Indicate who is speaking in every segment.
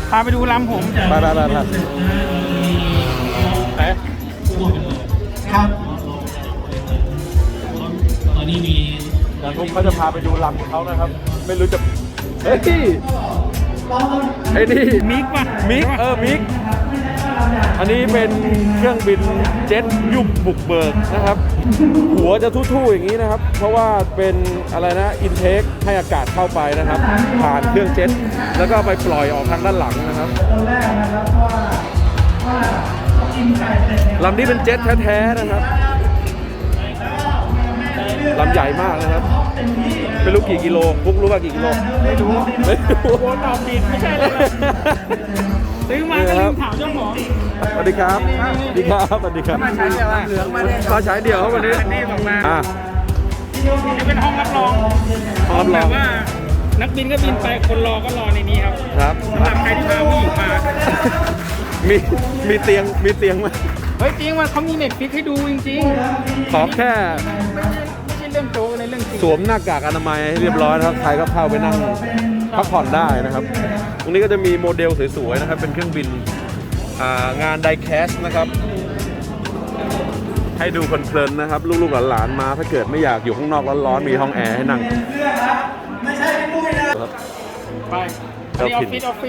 Speaker 1: พาไปดูลำผม
Speaker 2: ไป
Speaker 3: ครับ
Speaker 2: ตอนนี้มีผมเขาจะพาไปดูลำเขานะครับ ไม่รู้จะเฮ้ยไอ้นี่
Speaker 1: มิกป่ะ
Speaker 2: มิกอันนี้เป็นเครื่องบินเจ็ตยุบบุกเบิกนะครับหัวจะทู่ๆอย่างนี้นะครับเพราะว่าเป็นอะไรนะอินเทคให้อากาศเข้าไปนะครับผ่านเครื่องเจ็ตแล้วก็ไปปล่อยออกทางด้านหลังนะครับลำนี้เป็นเจ็ตแท้ๆนะครับลำใหญ่มากนะครับไม่รู้กี่กิโลปุ๊กรู้ว่ากี่กิโล
Speaker 1: ไม่รู้โอนตอบผิดไม่ใช่เลยซื้อมาก็ลืมถามเจ้าของ
Speaker 2: สวัสดีครับสวัสดีครับ
Speaker 1: มาใช้เดี่ยวเหลืองมาเนี่ย
Speaker 2: มาใช้เดี่ยวครับวันนี้
Speaker 1: นี่ออกมานี่เป็นห้องรับรองแบบว่านักบินก็บินไปคนรอก็รอในนี้ครับสำหรับใครที่พาผู้หญิงมา
Speaker 2: มีเตียงไหม
Speaker 1: เฮ้ยจริงว่าเขามีเน็ตฟิกให้ดูจริง
Speaker 2: ขอแค่
Speaker 1: ไม่ใช่เรื่องโจ๊กในเรื่องจริง
Speaker 2: สวมหน้ากากอนามัยให้เรียบร้อยนะครับใครก็เข้าไปนั่งพักผ่อนได้นะครับตรงนี้ก็จะมีโมเดลสวยๆนะครับเป็นเครื่องบินงานไดแคสนะครับให้ดูเพลินๆนะครับลูกๆหลานๆมาถ้าเกิดไม่อยากอยู่ข้างนอกร้อนๆมีห้องแอร์ให้นั่ง
Speaker 3: ไม่ใช่พี่ปุ้ยนะ
Speaker 1: ไปออฟ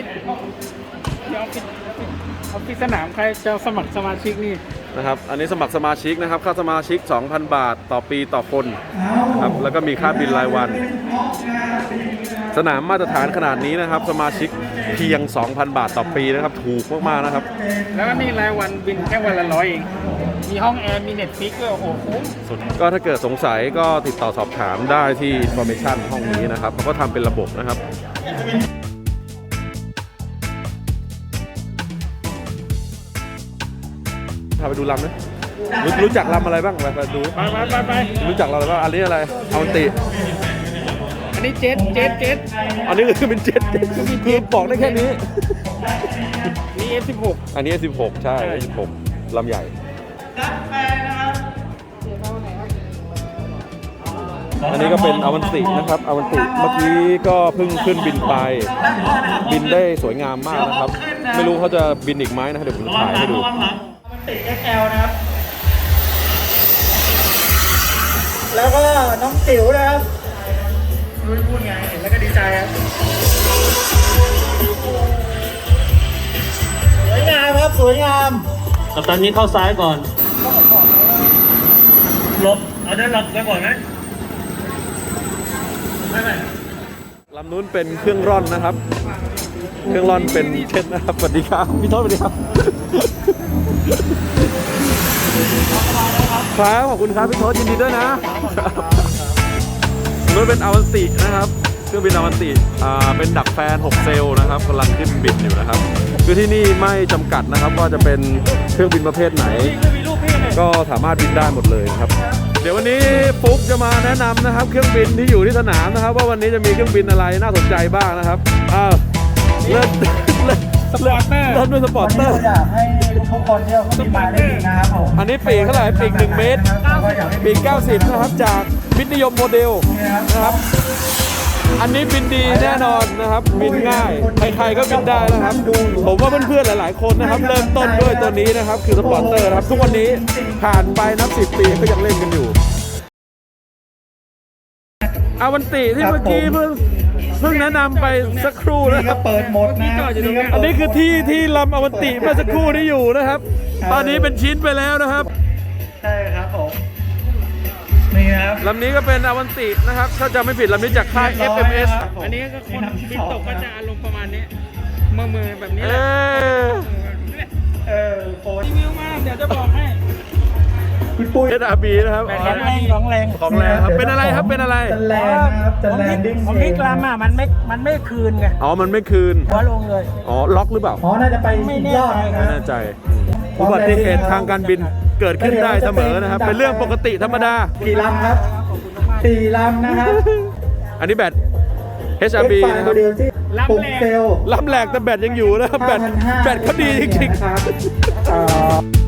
Speaker 1: ฟิศสนามใครจะสมัครสมาชิกนี่
Speaker 2: นะครับอันนี้สมัครสมาชิกนะครับค่าสมาชิก 2,000 บาทต่อปีต่อคนครับแล้วก็มีค่าบินรายวันสนามมาตรฐานขนาดนี้นะครับสมาชิกเพียง 2,000 บาทต่อปีนะครับถูกมากๆนะครับ
Speaker 1: แล้วก็นี่รายวันบินแค่วันละ100เองมีห้องแอร์มีเน็ตฟิกด้วยโอ้โหคุ้ม
Speaker 2: สุดก็ถ้าเกิดสงสัยก็ติดต่อสอบถามได้ที่ Information ห้องนี้นะครับเขาก็ทำเป็นระบบนะครับพาไปดูลำนะรู้จักลำอะไรบ้างไปดู
Speaker 1: ไป
Speaker 2: รู้จักเราอะไรบ้างอันนี้อะไรอวันติ
Speaker 1: อันนี้เจ็ต
Speaker 2: อันนี้คือเป็นเจ็ตคือบอกได้แค่นี้
Speaker 1: นี่ F16
Speaker 2: อันนี้ F16 ใช่ F16 ลำใหญ่อันนี้ก็เป็นอวันตินะครับอวันติเมื่อกี้ก็เพิ่งขึ้นบินไปบินได้สวยงามมากนะครับไม่รู้เขาจะบินอีกไหมนะเดี๋ยวผมถ่ายให้ดู
Speaker 3: ติด XL นะครับแล้วก็น้องติ๋วนะครับรู้พูดไงเห็นแล้วก็ดีใจครับสวยงามครับสวยงาม
Speaker 4: ตอนนี้เข้าซ้ายก่อนหลบเอาได้หลบไปก่อนไหม
Speaker 2: ไม่ลำนู้นเป็นเครื่องร่อนนะครับเครื่องร่อนเป็นเช็ดนะครับสวัสดีครับพี่โทษสวัสดีครับครับขอบคุณครับพี่โทษยินดีด้วยนะนู้นเป็นอวันตินะครับเครื่องบินอวันติเป็นดักแฟน6เซลล์นะครับกำลังขึ้นบินอยู่นะครับคือที่นี่ไม่จำกัดนะครับว่าจะเป็นเครื่องบินประเภทไหนก็สามารถบินได้หมดเลยครับเดี๋ยววันนี้ฟุ๊กจะมาแนะนำนะครับเครื่องบินที่อยู่ที่สนามนะครับว่าวันนี้จะมีเครื่องบินอะไรน่าสนใจบ้างนะครับเริ่มด้วยสปอร์ตเตอร์
Speaker 3: อยากให้ทุกคนที่เขาบินมาได้ดีนะครับผม
Speaker 2: อันนี้ปีกเท่าไหร่ปีก1 เมตรปีก90นะครับจากมิตรนิยมโมเดลนะครับอันนี้บินดีแน่นอนนะครับบินง่ายใครๆก็บินได้นะครับผมว่าเพื่อนๆหลายๆคนนะครับเริ่มต้นด้วยตัวนี้นะครับคือสปอร์ตเตอร์นะครับทุกวันนี้ผ่านไปนับ10 ปีก็ยังเล่นกันอยู่อวันติที่เมื่อกี้เพิ่งแนะนำไปสักครู่นะครับ
Speaker 3: เปิดหมดนะ
Speaker 2: อันนี้คือที่ลำอวันติเมื่อสักครู่นี้อยู่นะครับตอนนี้เป็นชิ้นไปแล้วนะครับ
Speaker 3: ใช่ครับผมนี่ครับ
Speaker 2: ลำนี้ก็เป็นอวันตินะครับถ้าจะไม่ผิดลำนี้จากค่าย FMS
Speaker 1: อันนี้ก็คนบินตกก็จะอารมณ์ประมาณนี้มือแบบนี้รีวิวมาเดี๋ยวจะบอกให้
Speaker 2: คุณปุ้ยSRB นะครับ
Speaker 3: ของแรง
Speaker 2: ครับเป็นอะไรครับเป็นอะไร
Speaker 3: แรงนะครับจะแรงดิ้ง
Speaker 1: ของนี่กลามมันไม่คืนไง
Speaker 2: มันไม่คืน
Speaker 1: หัวลงเลย
Speaker 2: ล็อกหรือเปล่า
Speaker 3: น่าจะไปยอด
Speaker 2: ไม่แน่ใจอุบัติเหตุทางการบินเกิดขึ้นได้เสมอนะครับเป็นเรื่องปกติธรรมดา
Speaker 3: กี่ลำครับ4 ลำนะครับ
Speaker 2: อันนี้แบต HRB นะครับ
Speaker 3: ลำแหลก
Speaker 2: แต่แบตยังอยู่นะครับแบตเขาดีจริงๆ